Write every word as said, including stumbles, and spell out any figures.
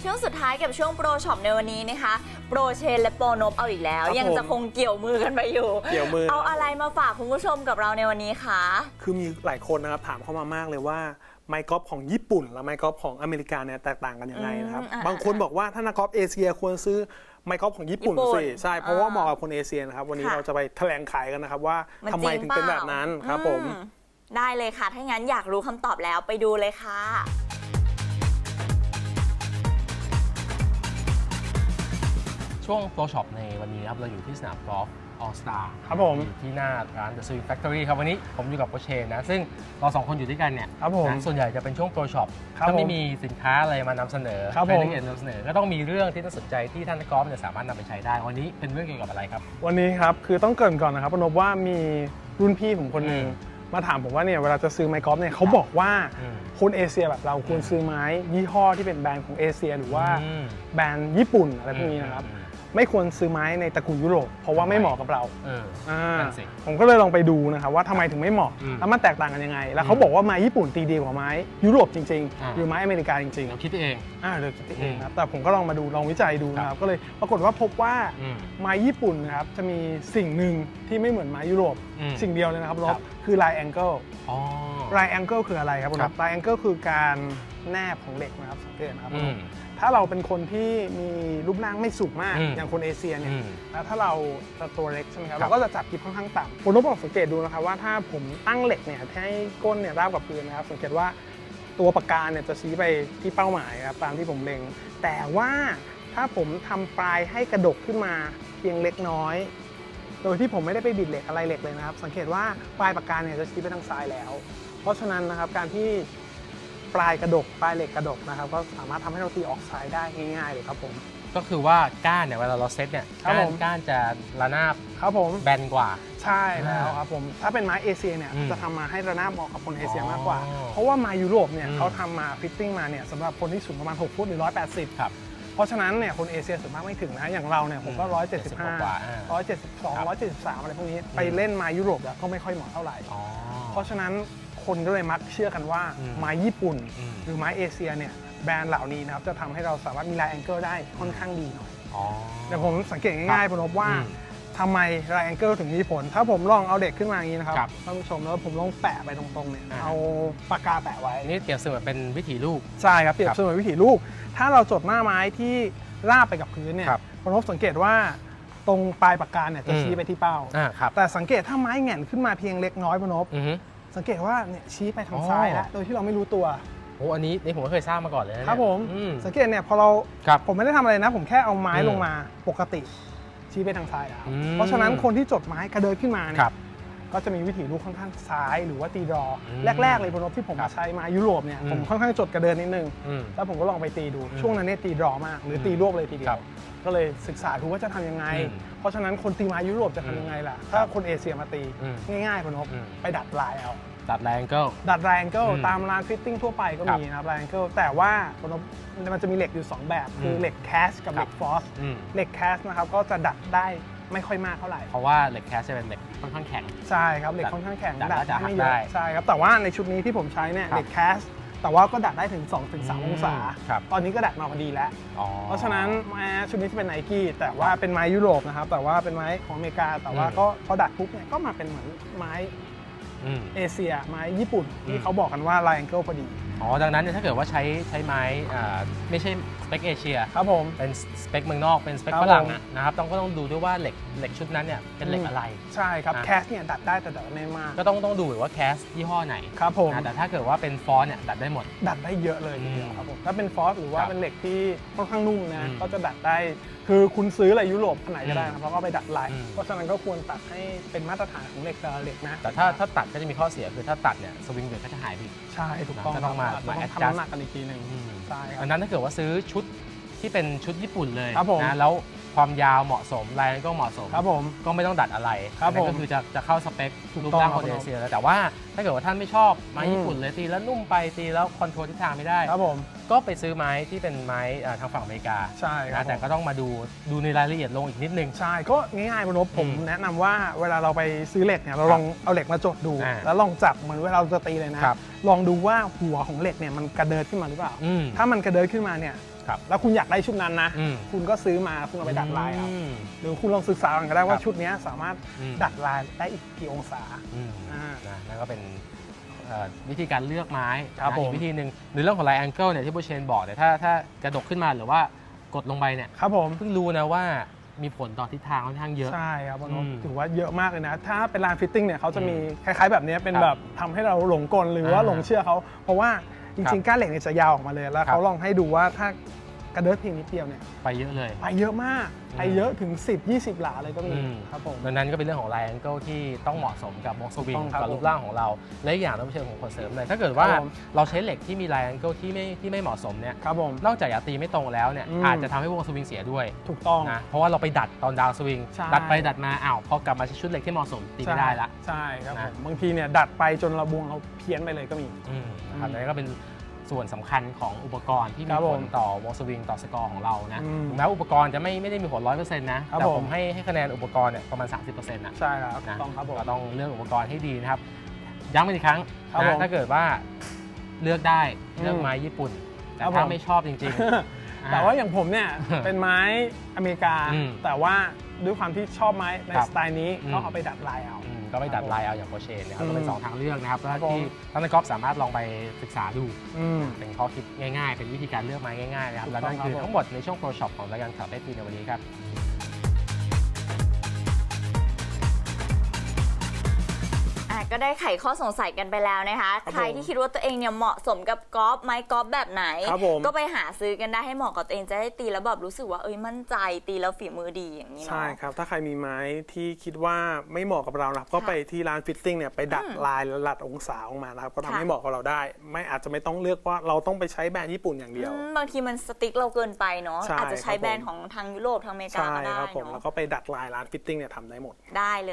ช่วงสุดท้ายกับช่วงโปรช็อปในวันนี้นะคะโปรเชนและโปรนบเอาอีกแล้วยังจะคงเกี่ยวมือกันไปอยู่เกี่ยวมือเอาอะไรมาฝากคุณผู้ชมกับเราในวันนี้คะคือมีหลายคนนะครับถามเข้ามามากเลยว่าไมค์กอล์ฟของญี่ปุ่นและไมค์กอล์ฟของอเมริกาเนี่ยแตกต่างกันยังไงนะครับบางคนบอกว่าถ้านักกอล์ฟเอเชียควรซื้อไมค์กอล์ฟของญี่ปุ่นสิใช่เพราะว่าเหมาะกับคนเอเชียนะครับวันนี้เราจะไปแถลงขายกันนะครับว่าทำไมถึงเป็นแบบนั้นครับผมได้เลยค่ะถ้างั้นอยากรู้คำตอบแล้วไปดูเลยค่ะช่วงโปรช็อปในวันนี้ครับเราอยู่ที่สนามกอล์ฟออลสตาร์ครับผมอยู่ที่หน้าร้าน The Sweet Factory ครับวันนี้ผมอยู่กับโปรเชนนะซึ่งเราสองคนอยู่ด้วยกันเนี่ยครับผมส่วนใหญ่จะเป็นช่วงโปรช็อปถ้าไม่มีสินค้าอะไรมานำเสนอครับผมนำเสนอก็ต้องมีเรื่องที่น่าสนใจที่ท่านนักกอล์ฟจะสามารถนำไปใช้ได้วันนี้เป็นเรื่องเกี่ยวกับอะไรครับวันนี้ครับคือต้องเกริ่นก่อนนะครับพนพว่ามีรุ่นพี่ผมคนหนึ่งมาถามผมว่าเนี่ยเวลาจะซื้อไมค์กอล์ฟเนี่ยเขาบอกว่าคนเอเชียแบบเราควรซื้อไม้ยี่ห้อที่เป็นแบรนด์ของเอเชียหรือว่าแบรนด์ญี่ปุ่นอะไรพวกนี้นะครับไม่ควรซื้อไม้ในตระกูลยุโรปเพราะว่าไม่เหมาะกับเราผมก็เลยลองไปดูนะครับว่าทำไมถึงไม่เหมาะแล้วมันแตกต่างกันยังไงแล้วเขาบอกว่าไม้ญี่ปุ่นตีดีกว่าไม้ยุโรปจริงๆหรือไม้อเมริกาจริงๆเราคิดเองอ่าเราคิดเองครับแต่ผมก็ลองมาดูลองวิจัยดูนะครับก็เลยปรากฏว่าพบว่าไม้ญี่ปุ่นนะครับจะมีสิ่งหนึ่งที่ไม่เหมือนไม้ยุโรปสิ่งเดียวเลยนะครับลบคือลายแองเกิลลายแองเกิลคืออะไรครับลายแองเกิลคือการแนบของเหล็กนะครับสังเกตนะครับถ้าเราเป็นคนที่มีรูปร่างไม่สูงมากอย่างคนเอเชียเนี่ยแล้วถ้าเราตัวเล็กใช่ไหมครับเราก็จะจับกิบค่อนข้างต่ำผมต้องบอกสังเกตดูนะครับว่าถ้าผมตั้งเหล็กเนี่ยให้ก้นเนี่ยราบกับพื้นนะครับสังเกตว่าตัวปากกาเนี่ยจะชี้ไปที่เป้าหมายครับตามที่ผมเล็งแต่ว่าถ้าผมทำปลายให้กระดกขึ้นมาเพียงเล็กน้อยโดยที่ผมไม่ได้ไปบิดเหล็กอะไรเหล็กเลยนะครับสังเกตว่าปลายปากกาเนี่ยจะชี้ไปทางซ้ายแล้วเพราะฉะนั้นนะครับการที่ปลายกระดกปลายเหล็กกระดกนะครับก็สามารถทำให้เราตีออกซ้ายได้ง่ายๆเลยครับผมก็คือว่าก้านเนี่ยเวลาเราเซตเนี่ยก้านก้านจะระนาบครับผมแบนกว่าใช่แล้วครับผมถ้าเป็นไม้เอเชียเนี่ยจะทำมาให้ระนาบเหมาะกับคนเอเชียมากกว่าเพราะว่าไม้ยุโรปเนี่ยเขาทำมาฟิตติ้งมาเนี่ยสำหรับคนที่สูงประมาณหกฟุตหรือหนึ่งร้อยแปดสิบครับเพราะฉะนั้นเนี่ยคนเอเชียส่วนมากไม่ถึงนะอย่างเราเนี่ยผมก็หนึ่งร้อยเจ็ดสิบห้า หนึ่งร้อยเจ็ดสิบสอง หนึ่งร้อยเจ็ดสิบสามอะไรพวกนี้ไปเล่นไม้ยุโรปแล้วก็ไม่ค่อยเหมาะเท่าไหร่เพราะฉะนั้นคนก็เลยมักเชื่อกันว่าไม้ญี่ปุ่นหรือไม้เอเชียเนี่ยแบรนด์เหล่านี้นะครับจะทำให้เราสามารถมีลายแองเกิลได้ค่อนข้างดีหน่อยเดี๋ยวผมสังเกตง่ายๆพนพว่าทำไมลายแองเกิลถึงมีผลถ้าผมลองเอาเด็กขึ้นมาอย่างนี้นะครับท่านผู้ชมแล้วผมลองแปะไปตรงๆเนี่ยเอาปากกาแปะไว้นี่เปรียบเสมือนเป็นวิถีลูกใช่ครับเปรียบเสมือนวิถีลูกถ้าเราจดหน้าไม้ที่ราบไปกับพื้นเนี่ยพนพสังเกตว่าตรงปลายปากกาเนี่ยจะชี้ไปที่เป้าแต่สังเกตถ้าไม้แหง่นขึ้นมาเพียงเล็กน้อยพนพสังเกตว่าเนี่ยชี้ไปทางซ้ายแล้วโดยที่เราไม่รู้ตัวโอ้อันนี้นี่ผมก็เคยทราบมาก่อนเลยครับผมสังเกตเนี่ยพอเราผมไม่ได้ทำอะไรนะผมแค่เอาไม้ลงมาปกติชี้ไปทางซ้ายแล้วเพราะฉะนั้นคนที่จดไม้กระเดินขึ้นมาเนี่ยก็จะมีวิถีลูกค่อนข้างซ้ายหรือว่าตีดรอแรกๆเลยพนพที่ผมใช้ไม้ยุโรปเนี่ยผมค่อนข้างจดกระเดินนิดนึงแล้วผมก็ลองไปตีดูช่วงนั้นเนี่ยตีดรอมากหรือตีรวบเลยทีเดียวก็เลยศึกษาดูว่าจะทำยังไงเพราะฉะนั้นคนตีไม้ยุโรปจะทำยังไงล่ะถ้าคนเอเชียมาตีง่ายๆพนพไปดัดลายเอาดัดแรงเกิลดัดแรงเกิลตามร้านฟิตติ้งทั่วไปก็มีนะครับแรงเกิลแต่ว่ามันจะมีเหล็กอยู่สองแบบคือเหล็กแคสกับเหล็กฟอสเหล็กแคสนะครับก็จะดัดได้ไม่ค่อยมากเท่าไหร่เพราะว่าเหล็กแคสจะเป็นเหล็กค่อนข้างแข็งใช่ครับเหล็กค่อนข้างแข็งดัดได้ไม่เยอะใช่ครับแต่ว่าในชุดนี้ที่ผมใช้เนี่ยเหล็กแคสแต่ว่าก็ดัดได้ถึง สองถึงสาม องศาตอนนี้ก็ดัดมาพอดีแล้วเพราะฉะนั้นไม้ชุดนี้จะเป็นไนกี้แต่ว่าเป็นไม้ยุโรปนะครับแต่ว่าเป็นไม้ของอเมริกาแต่ว่าก็พอดัดปุ๊บเนี่ยก็มาเป็นเหมือนไม้เอเชียไม้ญี่ปุ่นที่เขาบอกกันว่าไลน์แองเกิลพอดีอ๋อดังนั้นถ้าเกิดว่าใช้ใช้ไม้ไม่ใช่สเปคเอเชียครับผมเป็นสเปคเมืองนอกเป็นสเปคฝรั่งนะครับต้องก็ต้องดูด้วยว่าเหล็กเหล็กชุดนั้นเนี่ยเป็นเหล็กอะไรใช่ครับแคสเนี่ยดัดได้แต่ดัดไม่มากก็ต้องต้องดูว่าแคสยี่ห้อไหนครับผมแต่ถ้าเกิดว่าเป็นฟอสเนี่ยดัดได้หมดดัดได้เยอะเลยทีเดียวครับผมถ้าเป็นฟอสหรือว่าเป็นเหล็กที่ค่อนข้างนุ่มนะก็จะดัดได้คือคุณซื้ออะไรยุโรปไหนก็ได้นะเพราะก็ไปดัดลายเพราะฉะนั้นก็ควรตัดให้เป็นมาตรฐานของเหล็กแต่ละเหล็กนะแต่ถ้าถ้าตัดก็จะมีข้อเสียคือถ้าตัดเนี่ยสวิงเวทก็จะหายไปใช่ถูกต้องต้องมามาแอดจัสต์กันอีกทีหนึ่งใช่อันนั้นถ้าเกิดว่าซื้อชุดที่เป็นชุดญี่ปุ่นเลยนะแล้วความยาวเหมาะสมลายก็เหมาะสมครับผมก็ไม่ต้องดัดอะไรนั่นก็คือจะจะเข้าสเปครูปร่างคนเอเชียแล้วแต่ว่าถ้าเกิดว่าท่านไม่ชอบไม้ญี่ปุ่นเลยตีแล้วนุ่มไปตีแล้วคอนโทรลทิศทางไม่ได้ครับผมก็ไปซื้อไม้ที่เป็นไม้ทางฝั่งอเมริกาใช่ครับนะแต่ก็ต้องมาดูดูในรายละเอียดลงอีกนิดนึงใช่ก็ง่ายๆบนบผมอืมแนะนำว่าเวลาเราไปซื้อเหล็กเนี่ยเราลองเอาเหล็กมาจดดูอ่าแล้วลองจับเหมือนเวลาเราจะตีเลยนะครับ ลองดูว่าหัวของเหล็กเนี่ยมันกระเดิดขึ้นมาหรือเปล่าอืมถ้ามันกระเดิดขึ้นมาเนี่ยครับแล้วคุณอยากได้ชุดนั้นนะอืมคุณก็ซื้อมาคุณเอาไปดัดลายเอาอืมหรือคุณลองศึกษากันก็ได้ว่าครับชุดเนี้ยสามารถอืมดัดลายได้อีกกี่องศาอืมอ่านะนั่นก็เป็นเอ่อวิธีการเลือกไม้ครับนะผมอีกวิธีหนึ่งในเรื่องของไลแองเกิลเนี่ยที่โบเชนบอกเนี่ยถ้าถ้ากระดกขึ้นมาหรือว่ากดลงไปเนี่ยครับผมเพิ่งรู้นะว่ามีผลต่อทิศทางค่อนข้างเยอะใช่ครับบนบอืมถือว่าเยอะมากเลยนะ ถ้าเป็นลานฟิตติ้งเนี่ยเขาจะมีอืมคล้ายๆแบบเนี้ยเป็นครับแบบทำให้เราหลงกลหรือว่าอ่าหลงเชื่อเขาเพราะว่าจครัริบงๆก้านเหล็กเนี่ยจะยาวออกมาเลยแล้วครับเขาลองให้ดูว่าถ้ากระเดิดเพียงนิดเดียวเนี่ยไปเยอะเลยไปเยอะมากอืมไปเยอะถึง สิบ ยี่สิบ หลาเลยก็มีอืมครับผมดังนั้นก็เป็นเรื่องของไลแองเกิลที่ต้องเหมาะสมกับวงสวิงต้องครับกับรูปร่างของเรา และอีกอย่างต้องเชิงของคนเสริมเลยถ้าเกิดว่าครับผมเราใช้เหล็กที่มีไลแองเกิลที่ไม่ที่ไม่เหมาะสมเนี่ยครับผมนอกจากจะตีไม่ตรงแล้วเนี่ยอืมอาจจะทำให้วงสวิงเสียด้วยถูกต้องนะเพราะว่าเราไปดัดตอนดาวสวิงใช่ดัดไปดัดมาอ้าวพอกลับมาใช้ชุดเหล็กที่เหมาะสมตีไม่ได้ละใช่ครับผนะมบางทีเนี่ยดัดไปจนระบวงเราเพี้ยนไปเลยก็มีอืมนะครับอืมนั่นก็เป็นส่วนสำคัญของอุปกรณ์ที่มีครับผผลมต่อวงสวิงต่อสกอร์ของเรานะอืมถึงแม้อุปกรณ์จะไม่ไม่ได้มีผลร้อยเปอร์เซ็นต์นะครับ แต่ผมผมให้ให้คะแนนอุปกรณ์เนี่ยประมาณ สามสิบเปอร์เซ็นต์ นะใช่ครับถูนะกต้องครับผมก็ต้องเลือกอุปกรณ์ให้ดีนะครับย้ำกันอีกครั้งครับนะผมถ้าเกิดว่าเลือกได้เลือกอืมไม้ญี่ปุ่น แต่ครับถ้าผมไม่ชอบจริงๆแต่ว่าอย่างผมเนี่ย เป็นไม้อเมริกาอืมแต่ว่าด้วยความที่ชอบไม้ในครับสไตล์นี้อืมก็เอาไปดัดลายเอาอืมก็ไปดัดลายเอาอย่างโปรเชนนะครับอืมก็เป็นสองทางเลือกนะครับครับที่ผมท่านนักกอล์ฟสามารถลองไปศึกษาดูอืมเป็นข้อคิดง่ายๆ เป็นวิธีการเลือกไม้ง่ายๆนะครับถูกและต้นั่องนคือครับผมทั้งหมดในช่วงโปรช็อปของรายการข่าวเอสพีในวันนี้ครับอ่ะก็ได้ไขข้อสงสัยกันไปแล้วนะคะครับใครที่คิดว่าตัวเองเนี่ยเหมาะสมกับกอล์ฟไม้กอล์ฟแบบไหนครับผมก็ไปหาซื้อกันได้ให้เหมาะกับตัวเองจะได้ตีแล้วแบบรู้สึกว่าเอ้ยมั่นใจตีแล้วฝีมือดีอย่างนี้เนาะใช่ครับ ถ้าใครมีไม้ที่คิดว่าไม่เหมาะกับเรานะครับก็ไปที่ร้านฟิตติ้งเนี่ยไปดัดอืมลายและดัดองศาออกมานะครับก็ทำค่ะให้เหมาะกับเราได้ ไม่อาจจะไม่ต้องเลือกว่าเราต้องไปใช้แบรนด์ญี่ปุ่นอย่างเดียวอืมบางทีมันสติ๊กเราเกินไปเนาะใช่อาจจะใช้ครับผมแบรนด์ของทางยุโรปทางอเมริกาใช่ก็ได้ครับผมเนาะแล้วก็ไปดัดลายร้านฟิตติ้งเนี่ยทำได้หมดได้เลย